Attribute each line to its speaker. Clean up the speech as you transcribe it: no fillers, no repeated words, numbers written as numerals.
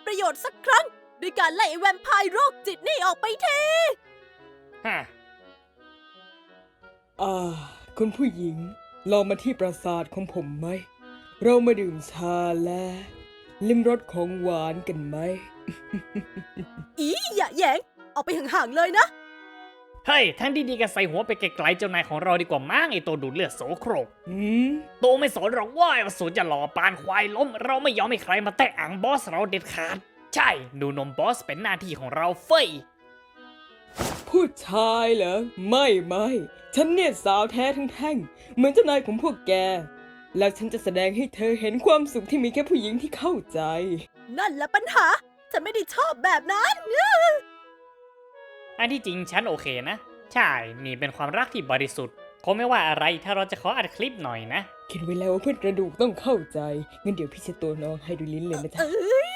Speaker 1: ประโยชน์สักครั้งด้วยการไล่ไอ้แวมไพร์โรคจิตนี่ออกไปที
Speaker 2: ฮะ
Speaker 3: คุณผู้หญิงลองมาที่ปราสาทของผมไหม เรามาดื่มชาและลิ้มรสของหวานกันไหม
Speaker 1: อีอย่าแหยงเอาไปห่างๆเลยนะ
Speaker 2: เฮ้ย ทั้งดีๆก็ใส่หัวไปไกลๆเจ้านายของเราดีกว่ามั้งไอตัวดูดเลือดโสโครก โตไม่สนหรอกว่าสูจะหล่อปานควายล้ม เราไม่ยอมให้ใครมาแตะอังบอสเราเด็ดขาด ใช่ ดูนมบอสเป็นหน้าที่ของเราเฟ้ย
Speaker 3: ผู้ชายเหรอ ไม่ฉันเนี่ยสาวแท้ทั้งแท่งเหมือนเจ้านายของพวกแก แล้วฉันจะแสดงให้เธอเห็นความสุขที่มีแค่ผู้หญิงที่เข้าใจ
Speaker 1: นั่นแหละปัญหา ฉันไม่ได้ชอบแบบนั้น
Speaker 2: อันที่จริงฉันโอเคนะ ใช่ นี่เป็นความรักที่บริสุทธิ์คงไม่ว่าอะไรถ้าเราจะขออัดคลิปหน่อยนะ
Speaker 3: คิดไว้แล้วว่าเพื่อนกระดูกต้องเข้าใจงั้นเดี๋ยวพี่เช็ดตัวน้องให้ดูลิ้นเลยนะจ๊ะ
Speaker 1: เอ้ย